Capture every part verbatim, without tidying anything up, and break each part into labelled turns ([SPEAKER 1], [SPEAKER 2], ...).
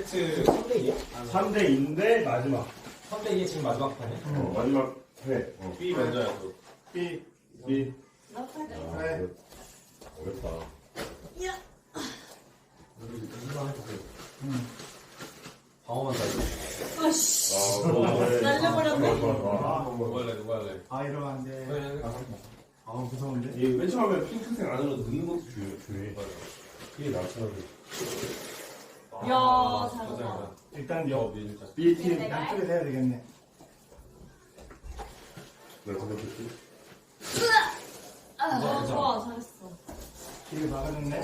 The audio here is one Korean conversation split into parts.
[SPEAKER 1] 세트 삼 대 이야?
[SPEAKER 2] 삼 대 이인데 마지막.
[SPEAKER 1] 삼 대 이에 지금 마지막 판이야?
[SPEAKER 2] 어, 마지막 회. 어.
[SPEAKER 1] B 먼저야 또.
[SPEAKER 2] B. B.
[SPEAKER 3] 나 팔 대.
[SPEAKER 2] 회.
[SPEAKER 4] 어렵다.
[SPEAKER 3] 야.
[SPEAKER 1] 방어만 살고.
[SPEAKER 3] 아씨.
[SPEAKER 2] 아, 그래.
[SPEAKER 3] 날려버렸네.
[SPEAKER 2] 좋아, 좋아.
[SPEAKER 1] 아, 누가 할래, 누가 할래.
[SPEAKER 5] 아 이러면 안 돼.
[SPEAKER 1] 그래,
[SPEAKER 5] 아 무서운데.
[SPEAKER 4] 이맨 처음에 핑크색 안으로 넣는 것도 중요- 중요해. 그게 나처럼.
[SPEAKER 3] 야, 잘한다.
[SPEAKER 1] 잘한다.
[SPEAKER 5] 일단
[SPEAKER 1] 여,
[SPEAKER 5] 여
[SPEAKER 1] 밀자.
[SPEAKER 2] B팀.
[SPEAKER 5] 양쪽에 해야 되겠네.
[SPEAKER 4] 나 생각했지.
[SPEAKER 3] 아, 좋아, 잘했어.
[SPEAKER 5] 길을 막아줬네.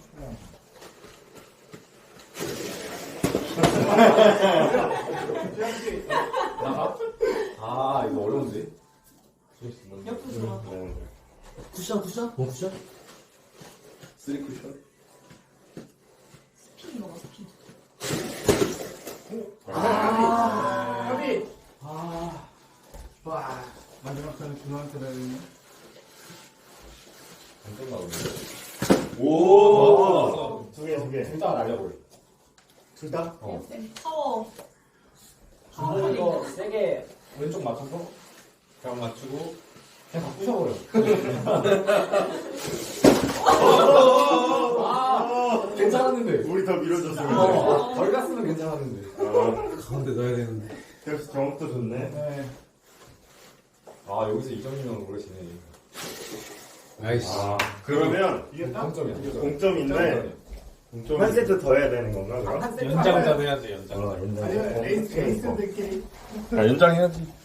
[SPEAKER 1] 나가? 아, 이거 어려운데?
[SPEAKER 3] 옆으로 좋아.
[SPEAKER 4] 어.
[SPEAKER 1] 쿠션, 쿠션? 뭐 쿠션?
[SPEAKER 4] 쓰리 쿠션?
[SPEAKER 3] 스피드 먹어, 스피드.
[SPEAKER 5] 아, 협이. 아, 와. 마지막 편은 준호한테 달리네.
[SPEAKER 1] 안 끝나오네.
[SPEAKER 4] 오!
[SPEAKER 2] 두 개, 두 개.
[SPEAKER 1] 둘 다 날려버려.
[SPEAKER 5] 둘 다?
[SPEAKER 1] 어.
[SPEAKER 3] 파워.
[SPEAKER 1] 준호 이거 세게 왼쪽 맞춰서 벽 맞추고 그냥 다 부셔버려. 아, 괜찮았는데.
[SPEAKER 2] 우리 더 밀어줬으면 돼.
[SPEAKER 1] 어, 덜 갔으면 괜찮았는데.
[SPEAKER 2] 아,
[SPEAKER 1] 가운데 넣어야 되는데.
[SPEAKER 2] 역시 정확도 좋네.
[SPEAKER 5] 네.
[SPEAKER 1] 아, 여기서 이 점이면 모르시네.
[SPEAKER 4] 아이씨.
[SPEAKER 2] 아, 그러면
[SPEAKER 5] 이겼다?
[SPEAKER 1] 공점이야.
[SPEAKER 2] 공점인데 한 세트 더 해야 되는 건가, 그럼?
[SPEAKER 1] 연장전 해야지, 연장.
[SPEAKER 2] 어, 연장.
[SPEAKER 5] 아니면 에이스 에이스들끼리.
[SPEAKER 4] 아, 연장해야지.